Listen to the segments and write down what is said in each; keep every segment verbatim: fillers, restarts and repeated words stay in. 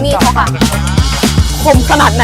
มีดเขาค่ะคมขนาดไหน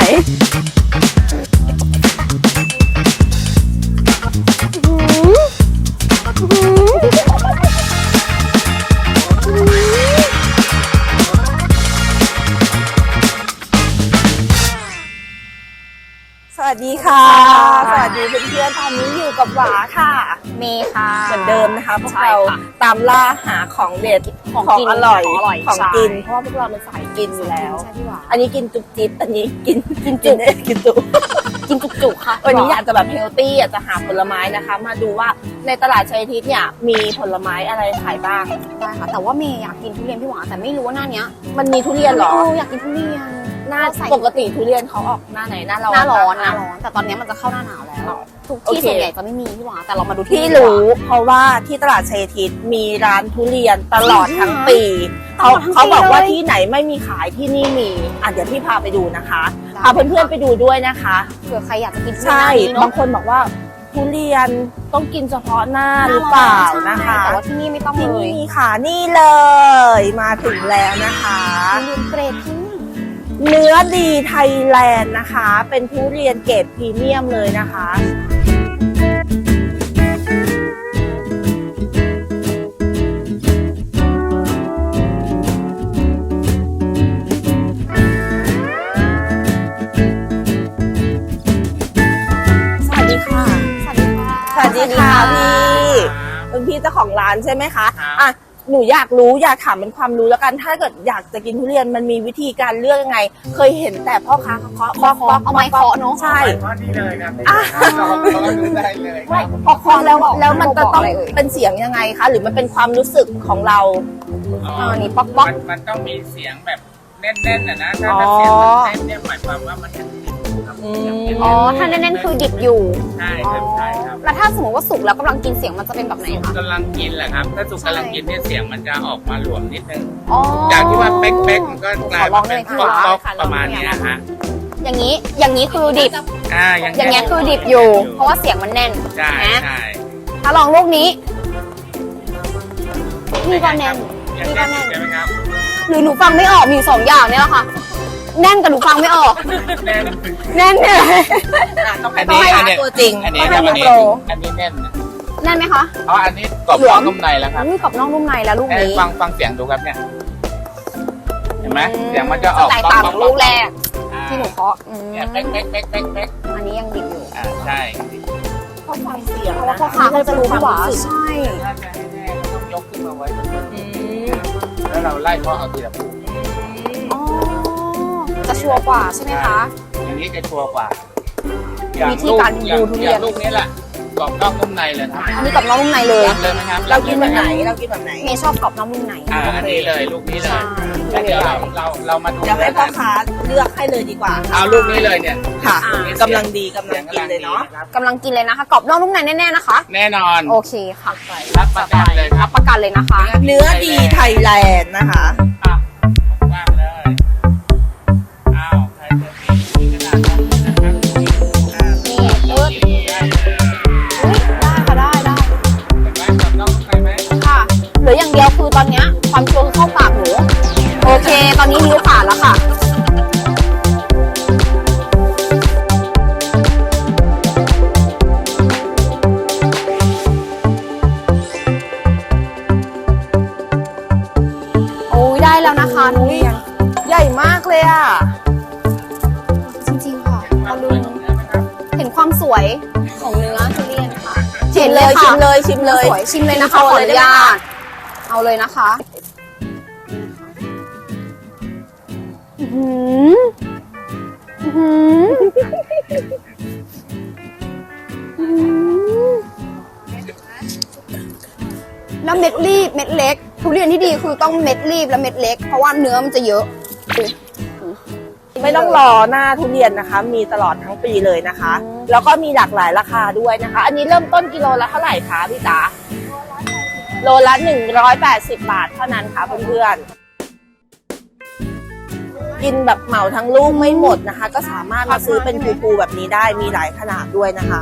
สวัสดีค่ะสวัสดีเพื่อนๆตอนนี้อยู่กับหวาค่ะเมย์ค่ะเหมือนเดิมนะคะพวกเราตามล่าหาของเด็ดของอร่อยของกินเพราะว่าพวกเราเป็นสายกินอยู่แล้วอันนี้กินจุกจิบอันนี้กินกินจุกกินจุกกินจุกๆค่ะวันนี้อยากจะแบบเฮลตี้อยากจะหาผลไม้นะคะมาดูว่าในตลาดชัยทิศเนี่ยมีผลไม้อะไรขายบ้างได้ค่ะแต่ว่าเมย์อยากกินทุเรียนพี่หวานแต่ไม่รู้ว่าหน้านี้มันมีทุเรียนหรออยากกินทุเรียนหน้าปกติทุเรียนเขาออกหน้าไหนหน้าร้อนหน้าร้อนหน้าร้อนแต่ตอนนี้มันจะเข้าหน้าหนาวแล้วทุกที่ส่วนใหญ่จะไม่มีพี่หวานแต่เรามาดูที่รู้เพราะว่าที่ตลาดชัยทิศมีร้านทุเรียนตลอดทั้งปีเขาเขาบอกว่าที่ไหนไม่มีขายที่นี่มีอ่ะเดี๋ยวพี่พาไปดูนะคะพาเพื่อนๆไปดูด้วยนะคะเผื่อใครอยากจะกินใช่บางคนบอกว่าทุเรียนต้องกินเฉพาะหน้าหรือเปล่านะคะแต่ว่าที่นี่ไม่ต้องเลยที่นี่ค่ะนี่เลยมาถึงแล้วนะคะทุเรียนเกรดที่เนื้อดีไทยแลนด์นะคะเป็นทุเรียนเกรดพรีเมียมเลยนะคะสวัสดีค่ะสวัสดีค่ะสวัสดีค่ะพี่เป็นพี่เจ้าของร้านใช่ไหมคะอ่ะหนูอยากรู้อยากถามเป็นความรู้แล้วกันถ้าเกิดอยากจะกินทุเรียนมันมีวิธีการเลือกยังไงเคยเห็นแต่พ่อค้าเขาเคาะเคาะเคาะเอาไม้เคาะเนาะใช่เคาะนี่เลยครับเราเราดูได้เลยพอเคาะแล้วแล้วมันจะต้องเป็นเสียงยังไงคะหรือมันเป็นความรู้สึกของเราอ่านี่ป๊อกป๊อกมันต้องมีเสียงแบบแน่นๆนะนะถ้าเสียงมันแน่นเนี่ยหมายความว่ามันยังดิบครับอ๋อถ้าแน่นๆคือดิบอยู่ใช่ครับใช่ครับแล้วถ้าสมมติว่าสุกแล้วกำลังกินเสียงมันจะเป็นแบบไหนคะกำลังกินแหละครับถ้าสุกกำลังกินเนี่ยเสียงมันจะออกมาหลวมนิดนึงจากที่ว่าเป๊กๆมันก็กลายเป็นป๊อกๆประมาณนี้นะฮะอย่างนี้อย่างนี้คือดิบอ่าอย่างเงี้ยคือดิบอยู่เพราะว่าเสียงมันแน่นใช่ใช่ถ้าลองลูกนี้นี่ก็แน่นนี่ก็แน่นใช่ไหมครับหรือหนูฟังไม่ออกมีสองอย่างเนี่ยแหละค่ะแน่นกับหนูฟังไม่ออกแน่นแน่นเนี่ยต้องให้ตัวจริงอันนี้อันนี้อันนี้แน่นแน่นไหมคะอ๋ออันนี้กรอบนอกนุ่มในแล้วครับนี่กรอบนอกนุ่มในแล้วลูกนี้ฟังฟังเสียงดูครับเนี่ยเห็นไหมเสียงมันจะออกแตกต่างจากลูกแรกที่หนูเคาะเนี่ยเป๊กเป๊กเป๊กเป๊กเป๊กอันนี้ยังดิบอยู่อ่าใช่เพราะความเสียงเพราะว่าพ่อค้าเขาจะรู้ว่าใช่ถ้าจะให้แน่ต้องยกขึ้นมาไว้แล้วเราไล่เคาะเอาทีละปูจะชัวร์กว่าใช่ไหมคะอย่างนี้จะชัวร์กว่าวิธีการดูทุเรียนลูกนี้แหละกรอบนอกนุ่มในเลยครับอันนี้กรอบนอกนุ่มในเลยเลยไหมครับเรากินแบบไหนเรากินแบบไหนเมย์ชอบกรอบนอกนุ่มในอ่าอันนี้เลยลูกนี้เลยแล้วเดี๋ยวเราเราเรามาดูเดี๋ยวให้พ่อค้าเลือกให้เลยดีกว่าเอาลูกนี้เลยเนี่ยค่ะกำลังดีกำลังกินเลยเนาะกำลังกินเลยนะคะกรอบนอกนุ่มในแน่ๆนะคะแน่นอนโอเคค่ะรับประกันเลยรับประกันเลยนะคะเนื้อดีไทยแลนด์นะคะว่างเลยอ้าวใครจะมีกระดาษนะครับนี่เออได้ค่ะได้ได้เห็นไหมกับน้องใครไหมค่ะเหลืออย่างเดียวคือตอนนี้ความชัวร์เข้าปากหนูโอเคตอนนี้นิ้วขาดแล้วค่ะโอ้ยได้แล้วนะคะทุเรียนใหญ่มากเลยอ่ะจริงๆค่ะเอาดูเห็นความสวยของเนื้อทุเรียนค่ะชิมเลยชิมเลยชิมเลยสวยชิมเลยนะคะขออนุญาตเอาเลยนะคะแล้วเม็ดรีบเม็ดเล็กทุเรียนที่ดีคือต้องเม็ดรีบและเม็ดเล็กเพราะว่าเนื้อมันจะเยอะไม่ต้องรอหน้าทุเรียนนะคะมีตลอดทั้งปีเลยนะคะแล้วก็มีหลากหลายราคาด้วยนะคะอันนี้เริ่มต้นกิโลละเท่าไหร่คะพี่จ๋าโลละหนึ่งร้อยแปดสิบบาทเท่านั้นค่ะเพื่อนๆกินแบบเหมาทั้งลูกไม่หมดนะคะก็สามารถมาซื้อเป็นภูๆแบบนี้ได้มีหลายขนาดด้วยนะคะ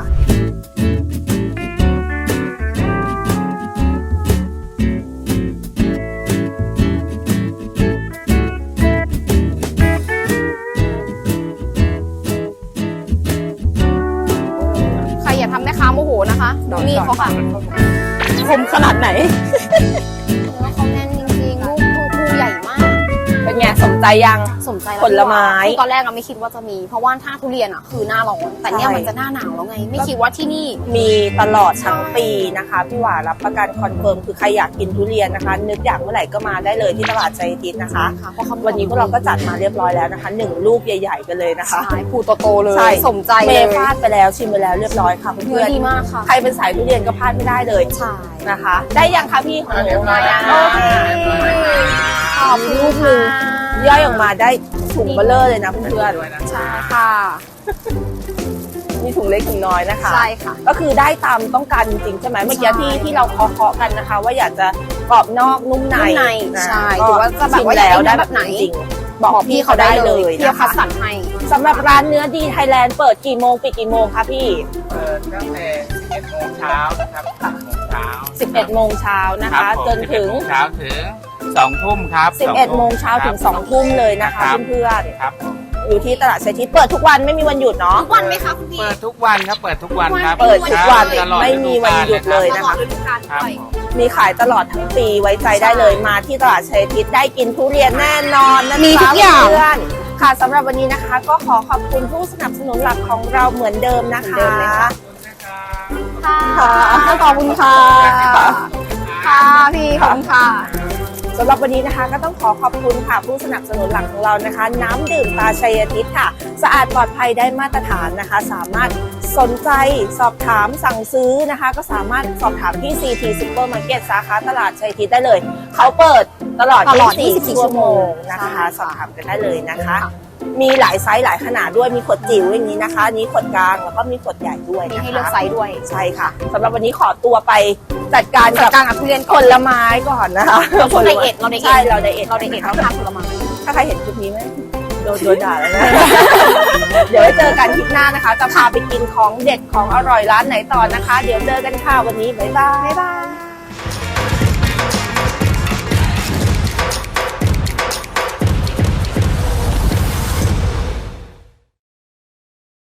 าโมโหนะคะดูมีดเขาค่ะคมขนาดไหนเนื้อเขาแน่นจริงๆลูกลูกลูกใหญ่มากเป็นไงสมใจยังสมใจผลไม้คือตอนแรกเราไม่คิดว่าจะมี เพราะว่าถ้าทุเรียนอ่ะคือหน้าร้อนแต่เนี่ยใช่มันจะหน้าหนาวแล้วไง ไม่คิดว่าที่นี่มีตลอดทั้งปีนะคะพี่หวารับประกันคอนเฟิร์มคือใครอยากกินทุเรียนนะคะ นึกอยากเมื่อไหร่ก็มาได้เลยที่ตลาดใจทิศนะคะค่ะเพราะเขาวันนี้พวกเราก็จัดมาเรียบร้อยแล้วนะคะหนึ่งลูกใหญ่ๆกันเลยนะคะใช่ผูโตๆเลยใช่สมใจเมเลยย์พลาดไปแล้วชิมไปแล้วเรียบร้อยค่ะเนื้เพื่ออนดีมากค่ะๆใครเป็นสายทุเรียนก็พลาดไม่ได้เลยใช่นะคะ ได้ยังคะพี่ของหนูเรียบร้อยแล้วโอเคขอบคุณลูกหนึ่งย่อยออกมาได้ถุงเบลเลอร์เลยนะเพื่อนด้วยนะใช่ค่ะๆมีถุงเล็กถุงน้อยนะคะใช่ค่ะก็คือได้ตามต้องการจริงๆใช่ไหมเมื่อกี้ที่ที่เราเคาะๆกันนะคะ ว่าอยากจะกรอบนอกนุ่มในนุ่มในนะใช่ก็หรือว่าจะแบบว่าชิมแล้วอยากได้ได้แบบไหนจริงๆบอกพี่เขาได้เลยพี่นะเขาคัคะดสรรให้สำหรับร้านเนื้อดีไทยแลนด์เปิดกี่โมงปิดกี่โมงคะพี่เปิดตั้งแต่สิบเอ็ดโมงเช้านะครับสิบโมงเช้าสิบเอ็ดโมงเช้านะรับคะผมจนถึงสิบเอ็ดโมงเช้าถึงสองทุ่มครับสิบเอ็ดโมงเช้าถึงสองทุ่มเลยนะคะรับเพื่อนครับผมๆอยู่ที่ตลาดเศรษฐีเปิดทุกวันไม่มีวันหยุดเนาะทุกวันไหมคะคุณพี่เปิดทุกวันครับ เปิดทุกวันครับเปิดทุกวันตลอดไม่มีวันหยุดเลยตนะลอคะดฤดูกาลครับด้วยผมมีขายตลอดทั้งปีไว้ใจได้เลยมาที่ตลาดชัยทิศได้กินทุเรียนแน่นอนนะจ๊ะมีทุกอย่างเพื่อนๆค่ะสำหรับวันนี้นะคะ ก็ขอขอบคุณผู้สนับสนุนหลักของเราเหมือนเดิมนะคะเหมือนเดิมเลยค่ะขอบคุณนะครับค่ะขอบคุณค่ะ ค่ะพี่ขอบคุณค่ะสำหรับวันนี้นะคะก็ต้องขอขอบคุณค่ะผู้สนับสนุนหลักของเรานะคะ น้ำดื่มตาชัยทิศค่ะ สะอาดปลอดภัยได้มาตรฐานนะคะ สามารถสนใจสอบถามสั่งซื้อนะคะ ก็สามารถสอบถามที่ ซี ที Supermarket สาขาตลาดชัยทิศได้เลย เขาเปิดตลอดตลอดยี่สิบสี่ยี่สิบสี่ชั่วโมงนะคะใช่ค่ะสอบถามกันได้เลยนะคะค่ะมีหลายไซส์หลายขนาดด้วยมีขวดจิ๋วอย่างนี้นะคะอันนี้ขวดกลางแล้วก็มีขวดใหญ่ด้วยมีนะคะให้เลือกไซส์ด้วยใช่ค่ะสำหรับวันนี้ขอตัวไปจัดการจักัดบการกับทุเรียนผลไม้ก่อนนะคะเราไดเอทเราไดเอทใช่เราไดเอทเราไดเอทเราทานผลไม้ถ้าใครเห็นคลิปนี้ไหมโดนโดนด่าแล้วนะ เดี๋ยวไว้เจอกันคลิปหน้านะคะ จะพาไปกินของเด็ดของอร่อยร้านไหนต่อนะคะ เดี๋ยวเจอกันค่ะวันนี้บ๊ายบายบ๊ายบาย